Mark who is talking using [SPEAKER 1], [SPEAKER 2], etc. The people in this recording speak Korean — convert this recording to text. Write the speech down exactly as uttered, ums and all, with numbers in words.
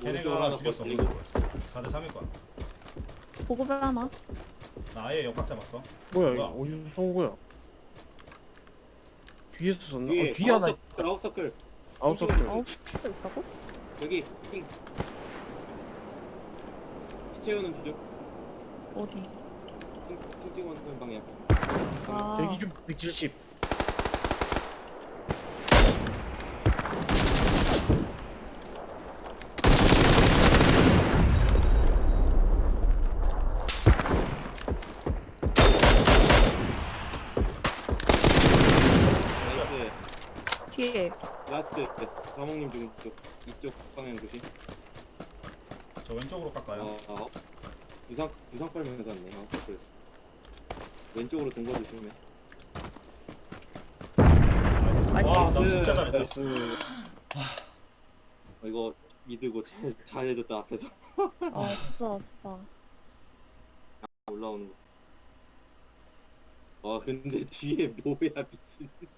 [SPEAKER 1] 걔네가 하나 죽였어.
[SPEAKER 2] 버티고.
[SPEAKER 1] 사 대 삼일 거야.
[SPEAKER 3] 보급에 하나.
[SPEAKER 1] 나 아예 역박 잡았어.
[SPEAKER 4] 뭐야
[SPEAKER 1] 뭐야?
[SPEAKER 4] 이거 어디서 쏜 거야? 뒤에서 쏜나?
[SPEAKER 2] 뒤에
[SPEAKER 4] 어, 뒤에 하나 있-
[SPEAKER 2] 아웃서클
[SPEAKER 4] 아웃서클.
[SPEAKER 3] 아홉 시 있다고?
[SPEAKER 2] 여기 핑 피채우는 주죠.
[SPEAKER 3] 어디?
[SPEAKER 2] 핑, 핑 찍어놓는 방향.
[SPEAKER 3] 아,
[SPEAKER 4] 대기 중 백칠십.
[SPEAKER 2] 나이스.
[SPEAKER 3] 뒤에.
[SPEAKER 2] 라스트 사모님 중 이쪽 이쪽 방향 조심.
[SPEAKER 1] 저 왼쪽으로 깎아요.
[SPEAKER 2] 어, 어. 구상 구상 빨면서 왔네. 어, 그래. 왼쪽으로 동거 조심해.
[SPEAKER 1] 나이스. 와, 나
[SPEAKER 2] 나이스.
[SPEAKER 1] 진짜 잘했다.
[SPEAKER 4] 나이스.
[SPEAKER 2] 어, 이거 믿고 잘 잘해줬다 앞에서
[SPEAKER 3] 아, 진짜, 진짜.
[SPEAKER 2] 올라오는 거. 와 근데 뒤에 뭐야 미친.